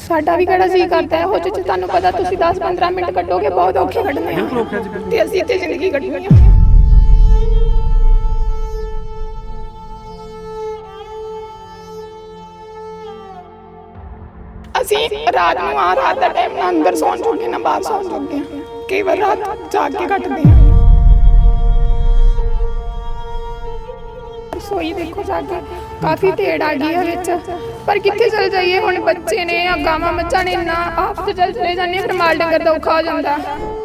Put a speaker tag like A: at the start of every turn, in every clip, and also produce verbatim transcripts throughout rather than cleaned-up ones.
A: ਸਾਡਾ ਵੀ ਕਿਹੜਾ ਜੀ ਕਰਦਾ ਹੈ, ਉਹ 'ਚ ਤੁਹਾਨੂੰ ਪਤਾ ਤੁਸੀਂ ਦਸ ਪੰਦਰਾਂ ਮਿੰਟ ਕੱਢੋਗੇ, ਬਹੁਤ ਔਖੇ ਕੱਢਣੇ ਆ ਤੇ ਅਸੀਂ ਇੱਥੇ ਜ਼ਿੰਦਗੀ ਕੱਢਣੀ ਆ। ਅਸੀਂ ਰਾਤ ਨੂੰ ਆ ਰਾਤ ਦਾ ਟਾਈਮ ਨਾ ਅੰਦਰ ਸੌਣ ਜੋਗੇ ਨਾ ਬਾਹਰ ਸੌਣ ਜੋਗੇ ਆ, ਕਈ ਵਾਰ ਰਾਤ ਜਾਗ ਕੇ ਕੱਟਦੇ ਆ। ਰਸੋਈ ਦੇਖੋ ਜਾ ਕੇ ਕਾਫੀ ਢੇੜ ਆ ਗਈ ਹੈ ਵਿੱਚ, ਪਰ ਕਿੱਥੇ ਚਲ ਜਾਈਏ ਹੁਣ, ਬੱਚੇ ਨੇ ਆ ਗਾਵਾਂ ਮੱਝਾਂ ਨੇ ਨਾ ਆਪ ਤੇ ਚਲ ਚਲੇ ਜਾਂਦੇ, ਫਿਰ ਮਾਲ ਡੰਗਰ ਦਾ ਔਖਾ ਹੋ ਜਾਂਦਾ।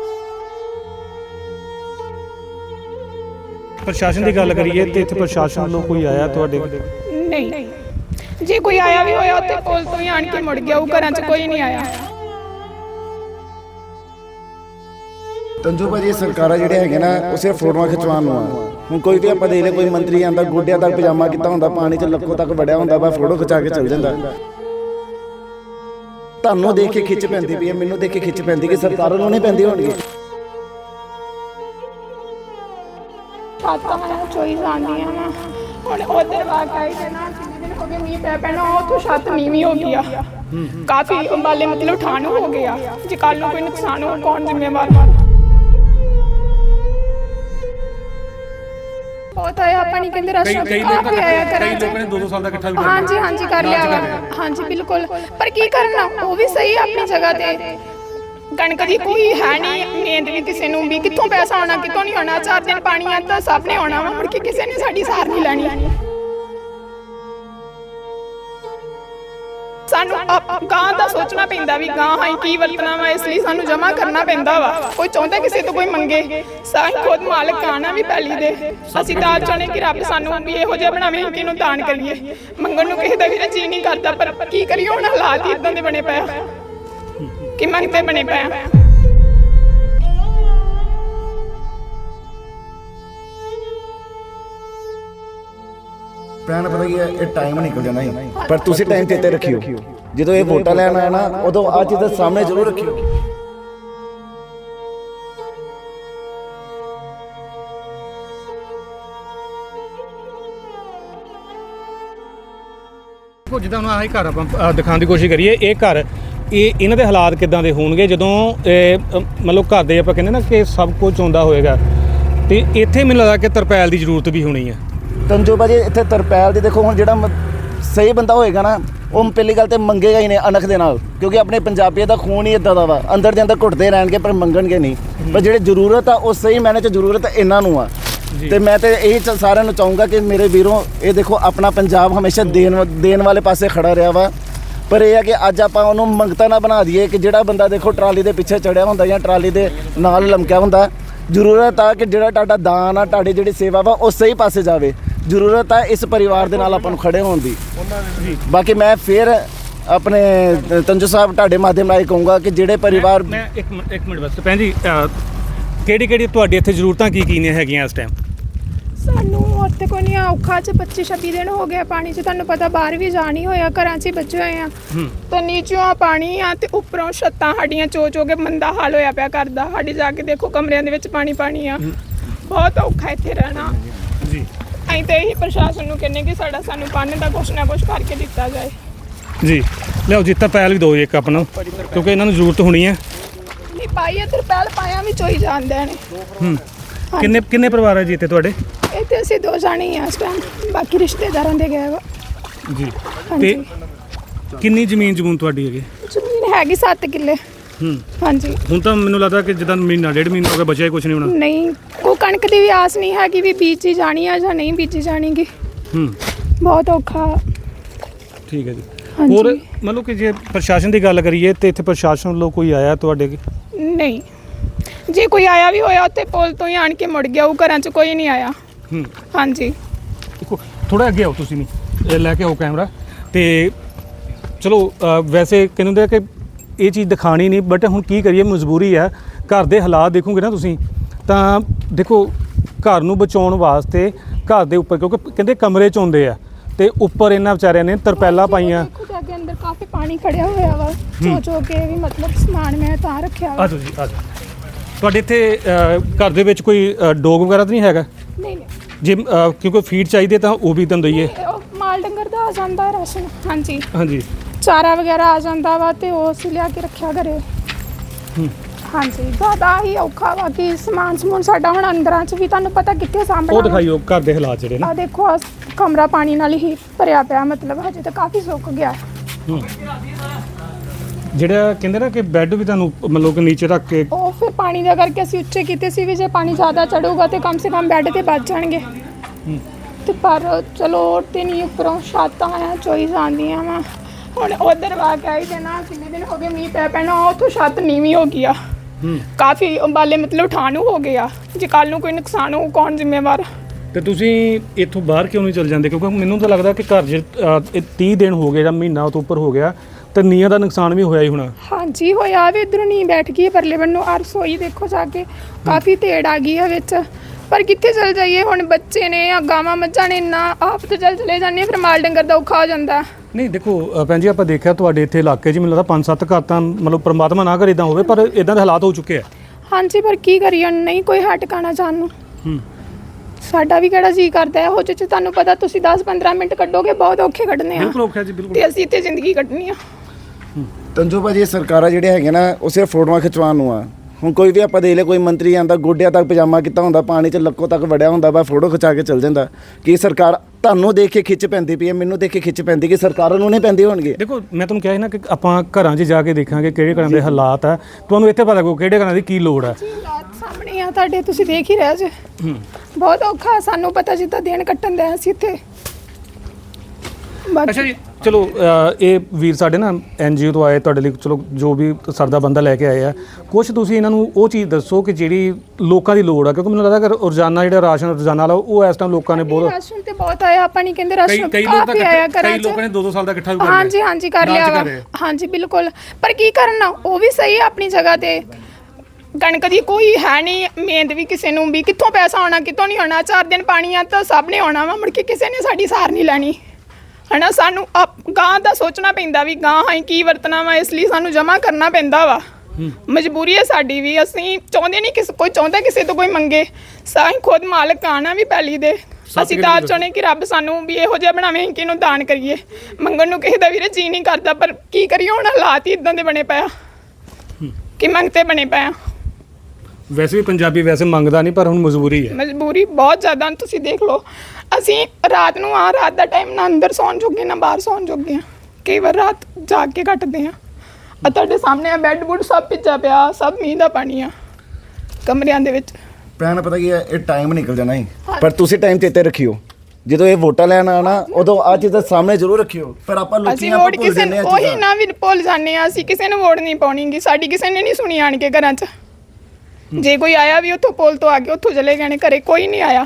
B: ਪ੍ਰਸ਼ਾਸਨ ਦੀ ਗੱਲ ਕਰੀਏ ਤੇ ਇੱਥੇ ਪ੍ਰਸ਼ਾਸਨ ਵੱਲੋਂ ਕੋਈ ਆਇਆ ਤੁਹਾਡੇ?
A: ਨਹੀਂ, ਜੇ ਕੋਈ ਆਇਆ ਵੀ ਹੋਇਆ ਉੱਥੇ ਪੁਲ ਤੋਂ ਹੀ ਆਣ ਕੇ ਮੁੜ ਗਿਆ, ਉਹ ਘਰਾਂ 'ਚ ਕੋਈ ਨਹੀਂ ਆਇਆ।
C: ਤੰਜੂ ਭਾਜੀ ਸਰਕਾਰਾਂ ਜਿਹੜੇ ਹੈਗੇ ਨਾ ਉਹ ਸਿਰਫ ਫੋਟੋਆਂ ਖਿਚਵਾਉਣ ਨੂੰ ਆ। ਹੁਣ ਕੋਈ ਵੀ ਆਪਾਂ ਦੇਖ ਲੈ, ਕੋਈ ਮੰਤਰੀ ਆਂਦਾ ਗੋਡਿਆਂ ਤੱਕ ਪਜਾਮਾ ਕੀਤਾ ਹੁੰਦਾ, ਪਾਣੀ 'ਚ ਲੱਖੋਂ ਤੱਕ ਵੜਿਆ ਹੁੰਦਾ, ਬਸ ਫੋਟੋ ਖਿਚਾ ਕੇ ਚੱਲ ਜਾਂਦਾ। ਤੁਹਾਨੂੰ ਦੇਖ ਕੇ ਖਿੱਚ ਪੈਂਦੀ ਵੀ ਹੈ, ਮੈਨੂੰ ਦੇਖ ਕੇ ਖਿੱਚ ਪੈਂਦੀ ਕਿ ਸਰਕਾਰਾਂ ਨੂੰ ਨਹੀਂ ਪੈਂਦੀ ਹੋਣਗੀ।
A: ਪਾਤਾ ਮੈਂ ਚੋਈ ਜਾਂਦੀਆਂ ਵਾ ਹੁਣ ਉਧਰ ਵਾਕਾਈ ਦੇ ਨਾ ਕਿੰਨੇ ਦਿਨ ਹੋ ਗਏ ਮੀਂਹ ਪੈ ਪੈਣਾ, ਉੱਥੋਂ ਛੱਤ ਨੀਵੀਂ ਹੋ ਗਈ ਆ, ਕਾਫੀ ਅੰਬਾਲੇ ਮਤਲਬ ਠਾਣ ਹੋ ਗਿਆ। ਜੇ ਕੱਲ ਨੂੰ ਕੋਈ ਨੁਕਸਾਨ ਹੋ ਕੌਣ ਜ਼ਿੰਮੇਵਾਰ? ਬਹੁਤ ਆਇਆ, ਆਪਾਂ ਨਹੀਂ ਕਹਿੰਦੇ ਰਾਸ਼ਨ ਕਾਫੀ ਆਇਆ ਕਰਾਂ।
B: ਕਈ ਲੋਕਾਂ ਨੇ ਦੋ ਦੋ ਸਾਲ ਦਾ ਇਕੱਠਾ ਵੀ
A: ਹਾਂਜੀ ਹਾਂਜੀ ਕਰ ਲਿਆ ਵਾ, ਹਾਂਜੀ ਬਿਲਕੁਲ, ਪਰ ਕੀ ਕਰਨਾ, ਉਹ ਵੀ ਸਹੀ ਆਪਣੀ ਜਗ੍ਹਾ ਤੇ। ਕਣਕ ਦੀ ਕੋਈ ਹੈ ਨਹੀਂ ਮੇਦ ਵੀ ਕਿਸੇ ਨੂੰ ਵੀ, ਕਿੱਥੋਂ ਪੈਸਾ ਆਉਣਾ ਕਿੱਥੋਂ ਨਹੀਂ ਆਉਣਾ। ਚਾਰ ਦਿਨ ਪਾਣੀ ਆ ਤਾਂ ਸਭ ਨੇ ਆਉਣਾ ਵਾ, ਮੁੜ ਕੇ ਕਿਸੇ ਨੇ ਸਾਡੀ ਸਾਰ ਨਹੀਂ ਲੈਣੀ। ਸਾਨੂੰ ਗਾਂ ਦਾ ਸੋਚਣਾ ਪੈਂਦਾ ਵੀ ਗਾਂ ਹਾਂ ਕੀ ਵਰਤਣਾ ਵਾ, ਇਸ ਲਈ ਸਾਨੂੰ ਜਮਾ ਕਰਨਾ ਪੈਂਦਾ ਵਾ। ਕੋਈ ਚਾਹੁੰਦਾ ਕਿਸੇ ਤੋਂ ਕੋਈ ਮੰਗੇ, ਸਾਂ ਖੁਦ ਮਾਲਕ ਆਣਾ ਵੀ ਪੈਲੀ ਦੇ। ਅਸੀਂ ਤਾਂ ਚਾਹੁੰਦੇ ਕਿ ਰੱਬ ਸਾਨੂੰ ਵੀ ਇਹੋ ਜਿਹਾ ਬਣਾਵੇ ਕਿ ਇਹਨੂੰ ਦਾਨ ਕਰੀਏ। ਮੰਗਣ ਨੂੰ ਕਿਸੇ ਦਾ ਵੀ ਜੀ ਨਹੀਂ ਕਰਦਾ, ਪਰ ਕੀ ਕਰੀਏ ਹੁਣ, ਹਾਲਾਤ ਹੀ ਇਦਾਂ ਦੇ ਬਣੇ ਪਏ ਆ ਕਿ ਮੰਗਤੇ ਬਣੇ ਪਏ ਆ।
C: ਭੈਣ ਪਤਾ ਕੀ ਹੈ, ਇਹ ਟਾਈਮ ਨਿਕਲ ਜਾਣਾ ਹੈ, ਪਰ ਤੁਸੀਂ ਟਾਈਮ ਤੇ ਤੇ ਰੱਖਿਓ। ਜਦੋਂ ਇਹ ਵੋਟਾਂ ਲੈਣ ਆਇਆ ਨਾ, ਉਦੋਂ ਆ ਚੀਜ਼ਾਂ ਸਾਹਮਣੇ ਜ਼ਰੂਰ ਰੱਖਿਓ।
B: ਜਿੱਦਾਂ ਹੁਣ ਆਹ ਘਰ ਆਪਾਂ ਦਿਖਾਉਣ ਦੀ ਕੋਸ਼ਿਸ਼ ਕਰੀਏ, ਇਹ ਘਰ ਇਹ ਇਹਨਾਂ ਦੇ ਹਾਲਾਤ ਕਿੱਦਾਂ ਦੇ ਹੋਣਗੇ ਜਦੋਂ ਮਤਲਬ ਘਰ ਦੇ ਆਪਾਂ ਕਹਿੰਦੇ ਨਾ ਕਿ ਸਭ ਕੁਝ ਆਉਂਦਾ ਹੋਏਗਾ, ਤੇ ਇੱਥੇ ਮੈਨੂੰ ਲੱਗਦਾ ਕਿ ਤਰਪੈਲ ਦੀ ਜ਼ਰੂਰਤ ਵੀ ਹੋਣੀ ਹੈ।
C: ਤੰਜੂ ਭਾਜੀ ਇੱਥੇ ਤਰਪੈਲ ਦੀ ਦੇਖੋ, ਹੁਣ ਜਿਹੜਾ ਸਹੀ ਬੰਦਾ ਹੋਏਗਾ ਨਾ, ਉਹ ਪਹਿਲੀ ਗੱਲ ਤੇ ਮੰਗੇਗਾ ਹੀ ਨਹੀਂ ਅਣਖ ਦੇ ਨਾਲ, ਕਿਉਂਕਿ ਆਪਣੇ ਪੰਜਾਬੀਆਂ ਦਾ ਖੂਨ ਹੀ ਇੱਦਾਂ ਦਾ ਵਾ, ਅੰਦਰ ਦੇ ਅੰਦਰ ਘੁੱਟਦੇ ਰਹਿਣਗੇ ਪਰ ਮੰਗਣਗੇ ਨਹੀਂ। ਪਰ ਜਿਹੜੇ ਜ਼ਰੂਰਤ ਆ ਉਹ ਸਹੀ ਮਾਇਨੇ 'ਚ ਜ਼ਰੂਰਤ ਇਹਨਾਂ ਨੂੰ ਆ। ਤੇ ਮੈਂ ਤੇ ਇਹੀ ਸਾਰਿਆਂ ਨੂੰ ਚਾਹੂੰਗਾ ਕਿ ਮੇਰੇ ਵੀਰੋ, ਇਹ ਦੇਖੋ ਆਪਣਾ ਪੰਜਾਬ ਹਮੇਸ਼ਾ ਦੇਣ ਦੇਣ ਵਾਲੇ ਪਾਸੇ ਖੜਾ ਰਿਹਾ ਵਾ, ਪਰ ਇਹ ਆ ਕਿ ਅੱਜ ਆਪਾਂ ਉਹਨੂੰ ਮੰਗਤਾ ਨਾ ਬਣਾ ਦਈਏ ਕਿ ਜਿਹੜਾ ਬੰਦਾ ਦੇਖੋ ਟਰਾਲੀ ਦੇ ਪਿੱਛੇ ਚੜਿਆ ਹੁੰਦਾ ਜਾਂ ਟਰਾਲੀ ਦੇ ਨਾਲ ਲਮਕਿਆ ਹੁੰਦਾ। ਜ਼ਰੂਰਤ ਆ ਕਿ ਜਿਹੜਾ ਤੁਹਾਡਾ ਦਾਨ ਆ, ਤੁਹਾਡੀ ਜਿਹੜੀ ਸੇਵਾ ਵਾ ਉਹ ਸਹੀ ਪਾਸੇ ਜਾਵੇ। ਜ਼ਰੂਰਤ ਆ ਇਸ ਪਰਿਵਾਰ ਦੇ ਨਾਲ ਆਪਾਂ ਨੂੰ ਖੜੇ ਹੋਣ ਦੀ। ਬਾਕੀ ਮੈਂ ਫਿਰ ਆਪਣੇ ਤੰਜੂ ਸਾਹਿਬ ਤੁਹਾਡੇ ਮਾਧਿਅਮ ਰਾਹੀਂ ਕਹੂੰਗਾ ਕਿ ਜਿਹੜੇ ਪਰਿਵਾਰ
B: ਮੈਂ ਇੱਕ ਇੱਕ ਮਿੰਟ ਬਸ ਭੈਣ ਜੀ, ਕਿਹੜੀ ਕਿਹੜੀ ਤੁਹਾਡੀ ਇੱਥੇ ਜ਼ਰੂਰਤਾਂ ਕੀ ਕੀ ਨੇ ਹੈਗੀਆਂ ਇਸ ਟਾਈਮ?
A: ਸਾਨੂੰ ਉੱਥੇ ਕੋਈ ਨਹੀਂ, ਔਖਾ 'ਚ ਪੱਚੀ ਛੱਬੀ ਦਿਨ ਹੋ ਗਏ ਪਾਣੀ 'ਚ, ਤੁਹਾਨੂੰ ਪਤਾ ਬਾਹਰ ਵੀ ਜਾ ਨਹੀਂ ਹੋਇਆ, ਘਰਾਂ 'ਚ ਹੀ ਬੱਚੇ ਹੋਏ ਆ। ਤੇ ਨੀਚੋਂ ਪਾਣੀ ਆ ਤੇ ਉੱਪਰੋਂ ਛੱਤਾਂ ਸਾਡੀਆਂ ਚੋ ਚੋ ਕੇ ਮੰਦਾ ਹਾਲ ਹੋਇਆ ਪਿਆ ਕਰਦਾ। ਸਾਡੇ ਜਾ ਕੇ ਦੇਖੋ ਕਮਰਿਆਂ ਦੇ ਵਿੱਚ ਪਾਣੀ ਪਾਣੀ ਆ, ਬਹੁਤ ਔਖਾ ਇੱਥੇ ਰਹਿਣਾ ਜੀ। ਅਸੀਂ ਤਾਂ ਇਹੀ ਪ੍ਰਸ਼ਾਸਨ ਨੂੰ ਕਹਿੰਦੇ ਕਿ ਸਾਡਾ ਸਾਨੂੰ ਪਾਣੀ ਦਾ ਕੁਛ ਨਾ ਕੁਛ ਕਰਕੇ ਦਿੱਤਾ ਜਾਏ
B: ਜੀ। ਲਿਆਓ ਜੀ ਤਰਪੈਲ ਵੀ ਦਿਓ ਇੱਕ ਆਪਣਾ, ਕਿਉਂਕਿ ਇਹਨਾਂ ਨੂੰ ਜ਼ਰੂਰਤ ਹੋਣੀ ਹੈ।
A: ਨਹੀਂ ਪਾਈ ਹੈ ਤਰਪੈਲ, ਪਾਇਆ ਵੀ ਚੋਈ ਜਾਂਦੇ ਨੇ।
B: ਹੂੰ, ਕਿੰਨੇ ਕਿੰਨੇ ਪਰਿਵਾਰ ਹੈ ਜੀ ਇੱਥੇ ਤੁਹਾਡੇ?
A: ਇੱਥੇ ਅਸੀਂ ਦੋ ਜਾਣੇ ਹੀ ਆ ਇਸ ਟਾਈਮ, ਬਾਕੀ ਰਿਸ਼ਤੇਦਾਰਾਂ ਦੇ ਗਏ ਵਾ
B: ਜੀ। ਤੇ ਕਿੰਨੀ ਜ਼ਮੀਨ ਜਮੂਨ ਤੁਹਾਡੀ ਹੈਗੀ?
A: ਜ਼ਮੀਨ ਹੈਗੀ ਸੱਤ ਕਿੱਲੇ।
B: ਹੂੰ,
A: ਹਾਂਜੀ।
B: ਹੁਣ ਤਾਂ ਮੈਨੂੰ ਲੱਗਦਾ ਕਿ ਜਿੱਦਾਂ ਮਹੀਨਾ ਡੇਢ ਮਹੀਨਾ ਹੋ ਗਿਆ, ਬਚਿਆ ਕੁਝ ਨਹੀਂ ਹੋਣਾ।
A: ਨਹੀਂ, ਉਹ ਕਣਕ ਦੀ ਵੀ ਆਸ ਨਹੀਂ ਹੈਗੀ ਵੀ ਬੀਜੀ ਜਾਣੀ ਆ ਜਾਂ ਨਹੀਂ ਬੀਜੀ ਜਾਣੀਗੀ।
B: ਹੂੰ,
A: ਬਹੁਤ ਔਖਾ।
B: ਠੀਕ ਹੈ ਜੀ। ਹੋਰ ਮਤਲਬ ਕਿ ਜੇ ਪ੍ਰਸ਼ਾਸਨ ਦੀ ਗੱਲ ਕਰੀਏ ਤੇ ਇੱਥੇ ਪ੍ਰਸ਼ਾਸਨ ਵੱਲੋਂ ਕੋਈ ਆਇਆ ਤੁਹਾਡੇ? ਨਹੀਂ,
A: ਜੇ ਕੋਈ ਆਇਆ ਵੀ ਹੋਇਆ ਉੱਥੇ ਪੁਲ ਤੋਂ ਹੀ ਆਣ ਕੇ ਮੁੜ ਗਿਆ, ਉਹ ਘਰਾਂ 'ਚ ਕੋਈ ਨਹੀਂ ਆਇਆ।
B: ਹੂੰ,
A: ਹਾਂਜੀ।
B: ਦੇਖੋ ਥੋੜਾ ਅੱਗੇ ਆਓ ਤੁਸੀਂ, ਨਹੀਂ ਇਹ ਲੈ ਕੇ ਆਓ ਕੈਮਰਾ। ਤੇ ਚਲੋ ਵੈਸੇ ਕਹਿੰਦੇ ਕਿ ਇਹ ਚੀਜ਼ ਦਿਖਾਣੀ ਨਹੀਂ, ਬਟ ਹੁਣ ਕੀ ਕਰੀਏ, ਮਜਬੂਰੀ ਹੈ। ਘਰ ਦੇ ਹਾਲਾਤ ਦੇਖੋਗੇ ਨਾ ਤੁਸੀਂ ਤਾਂ ਦੇਖੋ, ਘਰ ਨੂੰ ਬਚਾਉਣ ਵਾਸਤੇ ਘਰ ਦੇ ਉੱਪਰ, ਕਿਉਂਕਿ ਕਹਿੰਦੇ ਕਮਰੇ 'ਚ ਆਉਂਦੇ ਆ, ਤੇ ਉੱਪਰ ਇਹਨਾਂ ਵਿਚਾਰਿਆਂ ਨੇ ਤਰਪੈਲਾਂ ਪਾਈਆਂ।
A: ਅੱਗੇ ਅੰਦਰ ਕਾਫੀ ਪਾਣੀ ਖੜਿਆ ਹੋਇਆ ਵਾ, ਚੋ ਚੋ ਕੇ ਵੀ ਮਤਲਬ ਸਮਾਨ ਮੈਂ ਤਾਂ ਰੱਖਿਆ ਵਾ।
B: ਆ ਜਾਓ ਜੀ, ਆ ਜਾਓ। ਤੁਹਾਡੇ ਇੱਥੇ ਘਰ ਦੇ ਵਿੱਚ ਕੋਈ ਡੋਗ ਵਗੈਰਾ ਤਾਂ ਨਹੀਂ ਹੈਗਾ?
A: ਨਹੀਂ ਨਹੀਂ,
B: ਜੇ ਕਿਉਂਕਿ ਫੀਡ ਚਾਹੀਦੇ ਤਾਂ ਉਹ ਵੀ ਤੁਹਾਨੂੰ ਦਈਏ।
A: ਮਾਲ ਡੰਗਰ ਦਾ ਆ ਜਾਂਦਾ ਰਾਸ਼ਨ। ਹਾਂਜੀ
B: ਹਾਂਜੀ।
A: ਚਾਰਾ ਵਗੈਰਾ ਆ ਜਾਂਦਾ ਵਾ ਤੇ ਉਹ ਅਸੀਂ ਲਿਆ ਕੇ ਰੱਖਿਆ ਘਰੇ। ਹਾਂਜੀ ਜ਼ਿਆਦਾ ਹੀ ਔਖਾ ਵਾ ਕਿ ਸਮਾਨ ਸਮੂਨ ਸਾਡਾ ਹੁਣ ਅੰਦਰਾਂ 'ਚ ਵੀ ਤੁਹਾਨੂੰ ਪਤਾ ਕਿੱਥੇ ਸਾਂਭਣਾ।
B: ਉਹ ਦਿਖਾਈਓ ਘਰ ਦੇ ਹਾਲਾਤ ਜਿਹੜੇ
A: ਆ
B: ਨਾ।
A: ਦੇਖੋ ਆਹ ਕਮਰਾ ਪਾਣੀ ਨਾਲ ਹੀ ਭਰਿਆ ਪਿਆ, ਮਤਲਬ ਹਜੇ ਤਾਂ ਕਾਫੀ ਸੁੱਕ ਗਿਆ।
B: ਹੂੰ। ਜਿਹੜਾ ਕਹਿੰਦੇ ਨਾ ਕਿ ਬੈੱਡ ਵੀ ਤੁਹਾਨੂੰ ਮਤਲਬ ਕਿ ਨੀਚੇ ਰੱਖ ਕੇ,
A: ਉਹ ਫਿਰ ਪਾਣੀ ਦਾ ਕਰਕੇ ਅਸੀਂ ਉੱਚੇ ਕੀਤੇ ਸੀ ਵੀ ਜੇ ਪਾਣੀ ਜ਼ਿਆਦਾ ਚੜੂਗਾ ਤੇ ਕਮ ਸੇ ਕਮ ਬੈੱਡ ਤੇ ਬਚ ਜਾਣਗੇ। ਤੇ ਪਰ ਚਲੋ ਤੇ ਨਹੀਂ, ਉੱਪਰੋਂ ਛੱਤਾਂ ਆ ਚੋਈ ਜਾਂਦੀਆਂ ਵਾ। ਹੁਣ ਉਧਰ ਵਾ ਕੇ ਆਈ ਦੇਣਾ ਕਿੰਨੇ ਦਿਨ ਹੋ ਗਏ ਮੀਂਹ ਪੈ ਪੈਣਾ, ਉੱਥੋਂ ਛੱਤ ਨੀਵੀਂ ਹੋ ਗਈ ਆ ਕਾਫੀ, ਅੰਬਾਲੇ ਮਤਲਬ ਠਾਣੂ ਹੋ ਗਿਆ। ਜੇ ਕੱਲ ਨੂੰ ਕੋਈ ਨੁਕਸਾਨ ਹੋ ਕੌਣ ਜ਼ਿੰਮੇਵਾਰ?
B: ਤੇ ਤੁਸੀਂ ਇੱਥੋਂ ਬਾਹਰ ਕਿਉਂ ਨਹੀਂ ਚਲ ਜਾਂਦੇ? ਕਿਉਂਕਿ ਮੈਨੂੰ ਤਾਂ ਲੱਗਦਾ ਕਿ ਘਰ 'ਚ ਅ, ਤੀਹ ਦਿਨ ਹੋ ਗਏ ਜਾਂ ਮਹੀਨਾ ਤੋਂ ਉੱਪਰ ਹੋ ਗਿਆ ਤੇ ਨੀਆਂ ਦਾ ਨੁਕਸਾਨ ਵੀ ਹੋਇਆ ਹੀ ਹੋਣਾ।
A: ਹਾਂਜੀ ਹੋਇਆ ਵੀ, ਇੱਧਰੋਂ ਨੀ ਬੈਠ ਗਈ ਪਰਲੇ ਬੰਨੋਂ। ਆਹ ਰਸੋਈ ਦੇਖੋ ਜਾ ਕੇ ਕਾਫੀ ਤੇੜ ਆ ਗਈ ਆ ਵਿੱਚ, ਪਰ ਕਿੱਥੇ ਚਲ ਜਾਈਏ ਹੁਣ? ਬੱਚੇ ਨੇ ਆ ਗਾਵਾਂ ਮੱਝਾਂ ਨੇ, ਨਾ ਆਪ ਤਾਂ ਚੱਲ ਚਲੇ ਜਾਂਦੇ, ਫਿਰ ਮਾਲ ਡੰਗਰ ਦਾ ਔਖਾ ਹੋ ਜਾਂਦਾ।
B: ਨਹੀਂ ਦੇਖੋ ਅ, ਭੈਣ ਜੀ ਆਪਾਂ ਦੇਖਿਆ ਤੁਹਾਡੇ ਇੱਥੇ ਇਲਾਕੇ 'ਚ ਮੈਨੂੰ ਲੱਗਦਾ ਪੰਜ ਸੱਤ ਘਰ ਤਾਂ ਮਤਲਬ ਪ੍ਰਮਾਤਮਾ ਨਾ ਕਰੇ ਇਦਾਂ ਹੋਵੇ, ਪਰ ਇਦਾਂ ਦੇ ਹਾਲਾਤ ਹੋ ਚੁੱਕੇ ਆ।
A: ਹਾਂਜੀ ਪਰ ਕੀ ਕਰੀਏ, ਨਹੀਂ ਕੋਈ ਹਟ ਟਿਕਾਣਾ ਜਾਣ ਨੂੰ।
B: ਹੂੰ।
A: ਸਾਡਾ ਵੀ ਕਿਹੜਾ ਜੀ ਕਰਦਾ ਹੈ ਉਹ 'ਚ, ਤੁਹਾਨੂੰ ਪਤਾ ਤੁਸੀਂ ਦਸ ਪੰਦਰਾਂ ਮਿੰਟ ਕੱਢੋਗੇ, ਬਹੁਤ ਔਖੇ ਕੱਢਣੇ ਆ
B: ਬਿਲਕੁਲ ਔਖਾ ਜੀ, ਬਿਲਕੁਲ।
A: ਤੇ ਅਸੀਂ ਇੱਥੇ ਜ਼ਿੰਦਗੀ ਕੱਢਣੀ ਆ।
C: ਤੰਜੂ ਭਾਜੀ, ਇਹ ਸਰਕਾਰਾਂ ਜਿਹੜੇ ਹੈਗੇ ਨਾ ਉਹ ਸਿਰਫ ਫੋਟੋਆਂ ਖਿਚਵਾਉਣ ਨੂੰ ਆ। ਹੁਣ ਕੋਈ ਵੀ ਆਪਾਂ ਦੇਖ ਲੈ, ਕੋਈ ਮੰਤਰੀ ਆਂਦਾ ਗੋਡਿਆਂ ਤੱਕ ਪਜਾਮਾ ਕੀਤਾ ਹੁੰਦਾ, ਪਾਣੀ 'ਚ ਲੱਕੋ ਤੱਕ ਵੜਿਆ ਹੁੰਦਾ ਵਾ, ਫੋਟੋ ਖਿਚਾ ਕੇ ਚੱਲ ਜਾਂਦਾ। ਕੀ ਸਰਕਾਰ ਤੁਹਾਨੂੰ ਦੇਖ ਕੇ ਖਿੱਚ ਪੈਂਦੀ ਪਈ ਹੈ, ਮੈਨੂੰ ਦੇਖ ਕੇ ਖਿੱਚ ਪੈਂਦੀ, ਕਿ ਸਰਕਾਰਾਂ ਨੂੰ ਨਹੀਂ ਪੈਂਦੀ ਹੋਣਗੇ?
B: ਦੇਖੋ ਮੈਂ ਤੁਹਾਨੂੰ ਕਿਹਾ ਸੀ ਨਾ ਕਿ ਆਪਾਂ ਘਰਾਂ 'ਚ ਜਾ ਕੇ ਦੇਖਾਂਗੇ ਕਿਹੜੇ ਘਰਾਂ ਦੇ ਹਾਲਾਤ ਆ, ਤੁਹਾਨੂੰ ਇੱਥੇ ਪਤਾ ਲੱਗੂ ਕਿਹੜੇ ਘਰਾਂ ਦੀ ਕੀ ਲੋੜ ਆ।
A: ਜੀ ਹਾਲਾਤ ਸਾਹਮਣੇ ਆ ਤੁਹਾਡੇ, ਤੁਸੀਂ ਦੇਖ ਹੀ ਰਹੇ ਜੇ। ਬਹੁਤ ਔਖਾ ਸਾਨੂੰ ਪਤਾ, ਜਿੱਦਾਂ ਦਿਨ ਕੱਟਣ ਦੇ ਅਸੀਂ ਇੱਥੇ।
B: ਅੱਛਾ ਜੀ, ਚਲੋ ਅ, ਇਹ ਵੀਰ ਸਾਡੇ ਨਾ ਐਨ ਜੀ ਓ ਤੋਂ ਆਏ ਤੁਹਾਡੇ ਲਈ, ਚਲੋ ਜੋ ਵੀ ਸਰਦਾ ਬੰਦਾ ਲੈ ਕੇ ਆਏ ਆ, ਕੁਛ ਤੁਸੀਂ ਇਹਨਾਂ ਨੂੰ ਉਹ ਚੀਜ਼ ਦੱਸੋ ਕਿ ਜਿਹੜੀ ਲੋਕਾਂ ਦੀ ਲੋੜ ਆ, ਕਿਉਂਕਿ ਮੈਨੂੰ ਲੱਗਦਾ ਕਿ ਰੋਜ਼ਾਨਾ ਜਿਹੜਾ ਰਾਸ਼ਨ ਰੋਜ਼ਾਨਾ ਵਾਲਾ ਉਹ ਇਸ ਟਾਈਮ ਲੋਕਾਂ ਨੇ ਬਹੁਤ,
A: ਰਾਸ਼ਨ ਤੇ ਬਹੁਤ ਆਇਆ, ਆਪਾਂ ਨਹੀਂ ਕਹਿੰਦੇ
B: ਕਈ
A: ਰਾਸ਼ਨ
B: ਕਈ ਲੋਕ ਤਾਂ
A: ਕਾਫੀ ਆਇਆ
B: ਇਕੱਠੇ-
A: ਘਰਾਂ
B: ਕਈ
A: 'ਚ।
B: ਲੋਕਾਂ ਨੇ ਦੋ ਦੋ ਸਾਲ ਦਾ ਇਕੱਠਾ ਵੀ ਕਰ ਲਿਆ।
A: ਹਾਂਜੀ ਹਾਂਜੀ ਕਰ ਲਿਆ ਵਾ। ਹਾਂਜੀ ਬਿਲਕੁਲ, ਪਰ ਕੀ ਕਰਨਾ, ਉਹ ਵੀ ਸਹੀ ਹੈ ਆਪਣੀ ਜਗ੍ਹਾ ਤੇ। ਕਣਕ ਦੀ ਕੋਈ ਹੈ ਨਹੀਂ ਮਿਹਨਤ ਵੀ ਕਿਸੇ ਨੂੰ ਵੀ, ਕਿੱਥੋਂ ਪੈਸਾ ਆਉਣਾ ਕਿੱਥੋਂ ਨਹੀਂ ਆਉਣਾ। ਚਾਰ ਦਿਨ ਪਾਣੀ ਆ ਤਾਂ ਸਭ ਨੇ ਆਉਣਾ ਵਾ, ਮੁੜ ਕੇ ਕਿਸੇ ਨੇ ਸਾਡੀ ਸਾਰ ਨਹੀਂ ਲੈਣੀ ਹਨਾ। ਸਾਨੂੰ ਗਾਂ ਦਾ ਸੋਚਣਾ ਪੈਂਦਾ ਵੀ ਗਾਂ ਹਾਂ ਕੀ ਵਰਤਣਾ ਵਾ, ਇਸ ਲਈ ਸਾਨੂੰ ਜਮ੍ਹਾਂ ਕਰਨਾ ਪੈਂਦਾ ਵਾ। ਮਜਬੂਰੀ ਹੈ ਸਾਡੀ ਵੀ, ਅਸੀਂ ਚਾਹੁੰਦੇ ਨਹੀਂ ਕਿਸੇ, ਕੋਈ ਚਾਹੁੰਦਾ ਕਿਸੇ ਤੋਂ ਕੋਈ ਮੰਗੇ, ਸਾਂ ਖੁਦ ਮਾਲਕ ਆਣਾ ਵੀ ਪੈਲੀ ਦੇ। ਅਸੀਂ ਤਾਂ ਆਪ ਚਾਹੁੰਦੇ ਕਿ ਰੱਬ ਸਾਨੂੰ ਵੀ ਇਹੋ ਜਿਹਾ ਬਣਾਵੇ ਕਿ ਇਹਨੂੰ ਦਾਨ ਕਰੀਏ। ਮੰਗਣ ਨੂੰ ਕਿਸੇ ਦਾ ਵੀਰੇ ਜੀ ਨਹੀਂ ਕਰਦਾ, ਪਰ ਕੀ ਕਰੀਏ ਹੁਣ, ਹਾਲਾਤ ਹੀ ਇਦਾਂ ਦੇ ਬਣੇ ਪਏ ਆ ਕਿ ਮੰਗਤੇ ਬਣੇ ਪਏ ਆ।
B: ਵੈਸੇ ਵੀ ਪੰਜਾਬੀ ਵੈਸੇ ਮੰਗਦਾ ਨਹੀਂ, ਪਰ ਹੁਣ ਮਜਬੂਰੀ ਹੈ।
A: ਮਜਬੂਰੀ ਬਹੁਤ ਜ਼ਿਆਦਾ, ਤੁਸੀਂ ਦੇਖ ਲਓ ਅਸੀਂ ਰਾਤ ਨੂੰ ਆ ਰਾਤ ਦਾ ਟਾਈਮ ਨਾ ਅੰਦਰ ਸੌਣ ਜੋਗੇ ਨਾ ਬਾਹਰ ਸੌਣ ਜੋਗੇ ਆ, ਕਈ ਵਾਰ ਰਾਤ ਜਾਗ ਕੇ ਕੱਟਦੇ ਆ। ਆ ਤੁਹਾਡੇ ਸਾਹਮਣੇ ਆ ਬੈੱਡ ਬੁੱਡ ਸਭ ਭਿੱਜਾ ਪਿਆ, ਸਭ ਮੀਂਹ ਦਾ ਪਾਣੀ ਆ ਕਮਰਿਆਂ ਦੇ ਵਿੱਚ।
C: ਭੈਣ ਪਤਾ ਕੀ ਹੈ, ਇਹ ਟਾਈਮ ਨਿਕਲ ਜਾਣਾ ਹੀ, ਪਰ ਤੁਸੀਂ ਟਾਈਮ ਚੇਤੇ ਰੱਖਿਓ। ਜਦੋਂ ਇਹ ਵੋਟਾਂ ਲੈਣ ਆਣਾ ਉਦੋਂ ਆ ਚੀਜ਼ਾਂ ਸਾਹਮਣੇ ਜ਼ਰੂਰ ਰੱਖਿਓ। ਪਰ ਆਪਾਂ ਲੋਕੀ
A: ਅਸੀਂ
C: ਆਪਾਂ
A: ਵੋਟ
C: ਭੁੱਲ
A: ਕਿਸੇ
C: ਜਾਂਦੇ ਆ
A: ਉਹੀ
C: ਚੀਜ਼ਾਂ।
A: ਨਾ ਵੀ ਭੁੱਲ ਜਾਂਦੇ ਆ, ਅਸੀਂ ਕਿਸੇ ਨੂੰ ਵੋਟ ਨਹੀਂ ਪਾਉਣੀਗੀ, ਸਾਡੀ ਕਿਸੇ ਨੇ ਨਹੀਂ ਸੁਣੀ ਆਣ ਕੇ ਘਰਾਂ 'ਚ। ਜੇ ਕੋਈ ਆਇਆ ਵੀ ਉੱਥੋਂ ਪੁਲ ਤੋਂ ਆ ਕੇ ਉੱਥੋਂ ਚਲੇ ਗਏ ਨੇ, ਘਰੇ ਕੋਈ ਨਹੀਂ ਆਇਆ।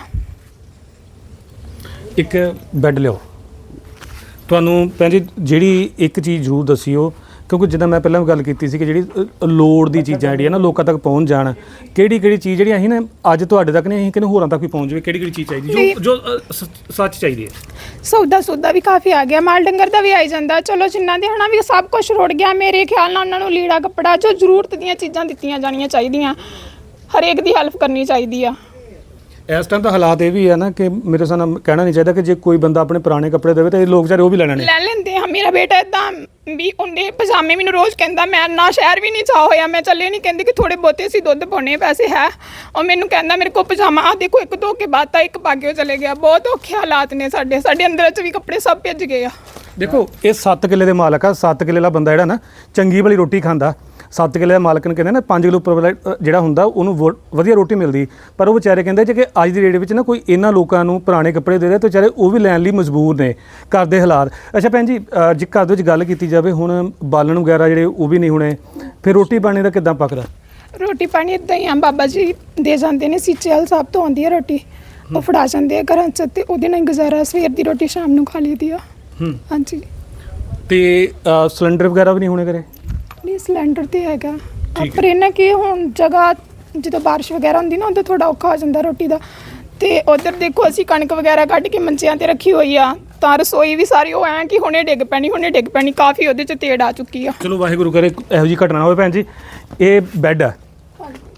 B: ਇੱਕ ਬੈੱਡ ਲਿਓ। ਤੁਹਾਨੂੰ ਭੈਣ ਜੀ ਜਿਹੜੀ ਇੱਕ ਚੀਜ਼ ਜ਼ਰੂਰ ਦੱਸਿਓ, ਕਿਉਂਕਿ ਜਿੱਦਾਂ ਮੈਂ ਪਹਿਲਾਂ ਵੀ ਗੱਲ ਕੀਤੀ ਸੀ ਕਿ ਜਿਹੜੀ ਅ, ਲੋੜ ਦੀ ਚੀਜ਼ਾਂ ਜਿਹੜੀਆਂ ਨਾ ਲੋਕਾਂ ਤੱਕ ਪਹੁੰਚ ਜਾਣ, ਕਿਹੜੀ ਕਿਹੜੀ ਚੀਜ਼ ਜਿਹੜੀ ਅਸੀਂ ਨਾ ਅੱਜ ਤੁਹਾਡੇ ਤੱਕ ਨਹੀਂ, ਅਸੀਂ ਕਿਹਨੇ ਹੋਰਾਂ ਤੱਕ ਵੀ ਪਹੁੰਚ ਜਾਵੇ, ਕਿਹੜੀ ਕਿਹੜੀ ਚੀਜ਼ ਚਾਹੀਦੀ ਜੋ ਜੋ ਅ, ਸ- ਸੱਚ ਚਾਹੀਦੀ ਹੈ।
A: ਸੌਦਾ ਸੌਦਾ ਵੀ ਕਾਫੀ ਆ ਗਿਆ, ਮਾਲ ਡੰਗਰ ਦਾ ਵੀ ਆਈ ਜਾਂਦਾ। ਚਲੋ ਜਿੰਨਾਂ ਦੇ ਹਨਾ ਵੀ ਸਭ ਕੁਝ ਰੁੜ ਗਿਆ, ਮੇਰੇ ਖਿਆਲ ਨਾਲ ਉਹਨਾਂ ਨੂੰ ਲੀੜਾ ਕੱਪੜਾ ਜੋ ਜ਼ਰੂਰਤ ਦੀਆਂ ਚੀਜ਼ਾਂ ਦਿੱਤੀਆਂ ਜਾਣੀਆਂ ਚਾਹੀਦੀਆਂ, ਹਰੇਕ ਦੀ ਹੈਲਪ ਕਰਨੀ ਚਾਹੀਦੀ ਆ।
B: ਇਸ ਟਾਈਮ ਤਾਂ ਹਾਲਾਤ ਇਹ ਵੀ ਹੈ ਨਾ ਕਿ ਮੇਰੇ ਹਿਸਾਬ ਨਾਲ ਕਹਿਣਾ ਨਹੀਂ ਚਾਹੀਦਾ ਕਿ ਜੇ ਕੋਈ ਬੰਦਾ ਆਪਣੇ ਪੁਰਾਣੇ ਕੱਪੜੇ ਦੇਵੇ ਤਾਂ ਇਹ ਲੋਕ ਵਿਚਾਰੇ ਉਹ ਵੀ ਲੈ ਲੈਣੇ।
A: ਲੈ ਲੈਂਦੇ ਆ। ਮੇਰਾ ਬੇਟਾ ਇਦਾਂ ਵੀ ਉਹਨੇ ਪਜਾਮੇ ਮੈਨੂੰ ਰੋਜ਼ ਕਹਿੰਦਾ, ਮੈਂ ਨਾ ਸ਼ਹਿਰ ਵੀ ਨਹੀਂ ਚਾਹ ਹੋਇਆ, ਮੈਂ ਚੱਲੇ ਨਹੀਂ, ਕਹਿੰਦੇ ਕਿ ਥੋੜੇ ਬਹੁਤੇ ਸੀ ਦੁੱਧ ਪਾਉਣੇ ਪੈਸੇ ਹੈ, ਉਹ ਮੈਨੂੰ ਕਹਿੰਦਾ ਮੇਰੇ ਕੋਲ ਪਜਾਮਾ ਆ ਦੇਖੋ, ਇੱਕ ਧੋ ਕੇ ਬਾਤ ਆ, ਇੱਕ ਪਾ ਕੇ ਉਹ ਚਲੇ ਗਿਆ। ਬਹੁਤ ਔਖੇ ਹਾਲਾਤ ਨੇ ਸਾਡੇ, ਸਾਡੇ ਅੰਦਰ 'ਚ ਵੀ ਕੱਪੜੇ ਸਭ ਭਿੱਜ ਗਏ ਆ।
B: ਦੇਖੋ ਇਹ ਸੱਤ ਕਿੱਲੇ ਦੇ ਮਾਲਕ ਆ, ਸੱਤ ਕਿੱਲੇ ਦਾ ਬੰਦਾ ਜਿਹੜਾ ਨਾ ਚੰਗੀ ਭਲੀ ਰੋਟੀ ਖਾਂਦਾ, ਸੱਤ ਕਿੱਲੇ ਦਾ ਮਾਲਕ ਨੂੰ ਕਹਿੰਦੇ ਨਾ ਪੰਜ ਕਿਲੋ ਉੱਪਰ ਵਾਲਾ ਅ, ਜਿਹੜਾ ਹੁੰਦਾ ਉਹਨੂੰ ਵੋ- ਵਧੀਆ ਰੋਟੀ ਮਿਲਦੀ, ਪਰ ਉਹ ਵਿਚਾਰੇ ਕਹਿੰਦੇ ਜੇ ਕਿ ਅੱਜ ਦੀ ਡੇਟ ਵਿੱਚ ਨਾ ਕੋਈ ਇਹਨਾਂ ਲੋਕਾਂ ਨੂੰ ਪੁਰਾਣੇ ਕੱਪੜੇ ਦੇ ਰਿਹਾ ਤਾਂ ਵਿਚਾਰੇ ਉਹ ਵੀ ਲੈਣ ਲਈ ਮਜਬੂਰ ਨੇ, ਘਰ ਦੇ ਹਾਲਾਤ। ਅੱਛਾ ਭੈਣ ਜੀ, ਅ, ਜੇ ਘਰ ਦੇ ਵਿੱਚ ਗੱਲ ਕੀਤੀ ਜਾਵੇ ਹੁਣ ਬਾਲਣ ਵਗੈਰਾ ਜਿਹੜੇ ਉਹ ਵੀ ਨਹੀਂ ਹੋਣੇ, ਫਿਰ ਰੋਟੀ ਪਾਣੀ ਦਾ ਕਿੱਦਾਂ ਪੱਕਦਾ?
A: ਰੋਟੀ ਪਾਣੀ ਇਦਾਂ ਹੀ ਆ, ਬਾਬਾ ਜੀ ਦੇ ਜਾਂਦੇ ਨੇ, ਸੀਚੇਵਾਲ ਸਾਹਿਬ ਤੋਂ ਆਉਂਦੀ ਹੈ ਰੋਟੀ, ਉਹ ਫੜਾ ਜਾਂਦੇ ਆ ਘਰਾਂ 'ਚ, ਤੇ ਉਹਦੇ ਨਾਲ ਹੀ ਗੁਜ਼ਾਰਾ, ਸਵੇਰ ਦੀ ਰੋਟੀ ਸ਼ਾਮ ਨੂੰ ਖਾ ਲਈਦੀ ਆ। ਹਾਂਜੀ।
B: ਤੇ ਅ, ਸਿਲੰਡਰ ਵਗੈਰਾ ਵੀ ਨਹੀਂ ਹੋਣੇ ਘਰੇ?
A: ਨਹੀਂ ਸਿਲੰਡਰ ਤੇ ਹੈਗਾ, ਪਰ ਇਹਨਾਂ ਕੀ ਹੁਣ ਜਗ੍ਹਾ ਜਦੋਂ ਬਾਰਿਸ਼ ਵਗੈਰਾ ਹੁੰਦੀ ਨਾ ਉਦੋਂ ਥੋੜਾ ਔਖਾ ਹੋ ਜਾਂਦਾ ਰੋਟੀ ਦਾ। ਤੇ ਉਧਰ ਦੇਖੋ ਅਸੀਂ ਕਣਕ ਵਗੈਰਾ ਕੱਢ ਕੇ ਮੰਚਿਆਂ ਤੇ ਰੱਖੀ ਹੋਈ ਆ, ਤਾਂ ਰਸੋਈ ਵੀ ਸਾਰੀ ਉਹ ਐਂ ਕਿ ਹੁਣੇ ਡਿੱਗ ਪੈਣੀ ਹੁਣੇ ਡਿੱਗ ਪੈਣੀ, ਕਾਫੀ ਉਹਦੇ 'ਚ ਤੇੜ ਆ ਚੁੱਕੀ ਆ।
B: ਚਲੋ ਵਾਹਿਗੁਰੂ ਕਰੇ ਇਹੋ ਜਿਹੀ ਘਟਨਾ ਹੋਵੇ। ਭੈਣ ਜੀ ਇਹ ਬੈੱਡ ਆ,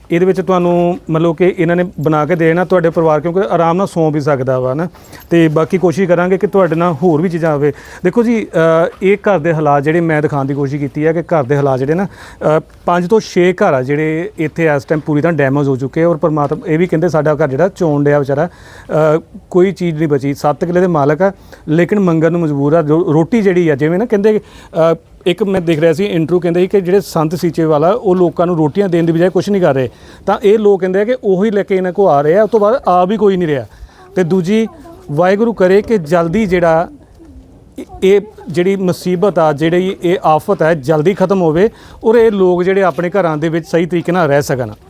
B: ਇਹਦੇ ਵਿੱਚ ਤੁਹਾਨੂੰ ਮਤਲਬ ਕਿ ਇਹਨਾਂ ਨੇ ਬਣਾ ਕੇ ਦੇਣਾ ਤੁਹਾਡੇ ਪਰਿਵਾਰ, ਕਿਉਂਕਿ ਆਰਾਮ ਨਾਲ ਸੌਂ ਵੀ ਸਕਦਾ ਵਾ ਨਾ। ਤੇ ਬਾਕੀ ਕੋਸ਼ਿਸ਼ ਕਰਾਂਗੇ ਕਿ ਤੁਹਾਡੇ ਨਾਲ ਹੋਰ ਵੀ ਚੀਜ਼ਾਂ ਆਵੇ। ਦੇਖੋ ਜੀ ਅ, ਇਹ ਘਰ ਦੇ ਹਾਲਾਤ ਜਿਹੜੇ ਮੈਂ ਦਿਖਾਉਣ ਦੀ ਕੋਸ਼ਿਸ਼ ਕੀਤੀ ਹੈ ਕਿ ਘਰ ਦੇ ਹਾਲਾਤ ਜਿਹੜੇ ਨਾ ਅ, ਪੰਜ ਤੋਂ ਛੇ ਘਰ ਆ ਜਿਹੜੇ ਇੱਥੇ ਇਸ ਟਾਈਮ ਪੂਰੀ ਤਰ੍ਹਾਂ ਡੈਮੇਜ ਹੋ ਚੁੱਕੇ, ਔਰ ਪਰਮਾਤਮਾ ਇਹ ਵੀ ਕਹਿੰਦੇ ਸਾਡਾ ਘਰ ਜਿਹੜਾ ਚੋਣ ਡਿਆ ਵਿਚਾਰਾ, ਅ, ਕੋਈ ਚੀਜ਼ ਨਹੀਂ ਬਚੀ। ਸੱਤ ਕਿੱਲੇ ਦੇ ਮਾਲਕ ਆ ਲੇਕਿਨ ਮੰਗਣ ਨੂੰ ਮਜਬੂਰ ਆ। ਰੋ- ਰੋਟੀ ਜਿਹੜੀ ਆ ਜਿਵੇਂ ਨਾ ਕਹਿੰਦੇ ਅ, ਇੱਕ ਮੈਂ ਦੇਖ ਰਿਹਾ ਸੀ ਇੰਟਰਵਿਊ, ਕਹਿੰਦੇ ਸੀ ਕਿ ਜਿਹੜੇ ਸੰਤ ਸੀਚੇਵਾਲਾ ਉਹ ਲੋਕਾਂ ਨੂੰ ਰੋਟੀਆਂ ਦੇਣ ਦੀ ਬਜਾਏ ਕੁਝ ਨਹੀਂ ਕਰ ਰਹੇ, ਤਾਂ ਇਹ ਲੋਕ ਕਹਿੰਦੇ ਆ ਕਿ ਉਹੀ ਲੈ ਕੇ ਇਹਨਾਂ ਕੋ ਆ ਰਹੇ ਆ, ਉਸ ਤੋਂ ਬਾਅਦ ਆ ਵੀ ਕੋਈ ਨਹੀਂ ਰਿਹਾ। ਤੇ ਦੂਜੀ ਵਾਹਿਗੁਰੂ ਕਰੇ ਕਿ ਜਲਦੀ ਜਿਹੜਾ ਇਹ ਜਿਹੜੀ ਮੁਸੀਬਤ ਆ, ਜਿਹੜੀ ਇਹ ਆਫਤ ਹੈ ਜਲਦੀ ਖਤਮ ਹੋਵੇ, ਔਰ ਇਹ ਲੋਕ ਜਿਹੜੇ ਆਪਣੇ ਘਰਾਂ ਦੇ ਵਿੱਚ ਸਹੀ ਤਰੀਕੇ ਨਾਲ ਰਹਿ ਸਕਣ।